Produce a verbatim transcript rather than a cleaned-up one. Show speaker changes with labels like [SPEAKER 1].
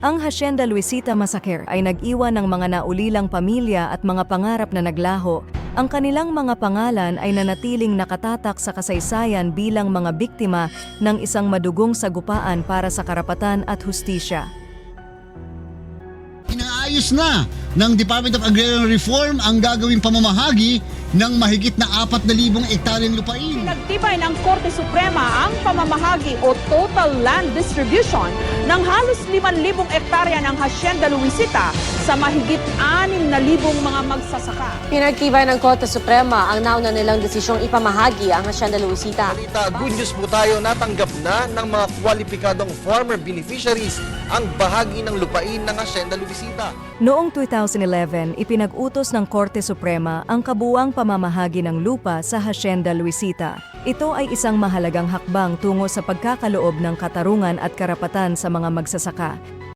[SPEAKER 1] Ang Hacienda Luisita Massacre ay nag-iwan ng mga naulilang pamilya at mga pangarap na naglaho. Ang kanilang mga pangalan ay nanatiling nakatatak sa kasaysayan bilang mga biktima ng isang madugong sagupaan para sa karapatan at hustisya.
[SPEAKER 2] Inaayos na ng Department of Agrarian Reform ang gagawing pamamahagi ng mahigit na apat na libong ektaryang lupain.
[SPEAKER 3] Pinagtibay ng Korte Suprema ang pamamahagi o total land distribution ng halos limang libong ektarya ng Hacienda Luisita sa mahigit anim na libong mga magsasaka.
[SPEAKER 4] Pinagtibay ng Korte Suprema ang nauna nilang desisyong ipamahagi ang Hacienda Luisita.
[SPEAKER 5] Balita, good news po tayo, natanggap na ng mga kwalipikadong farmer beneficiaries ang bahagi ng lupain ng Hacienda Luisita.
[SPEAKER 1] Noong two thousand eleven, ipinag-utos ng Korte Suprema ang kabuuang pamamahagi ng lupa sa Hacienda Luisita. Ito ay isang mahalagang hakbang tungo sa pagkakaloob ng katarungan at karapatan sa mga magsasaka.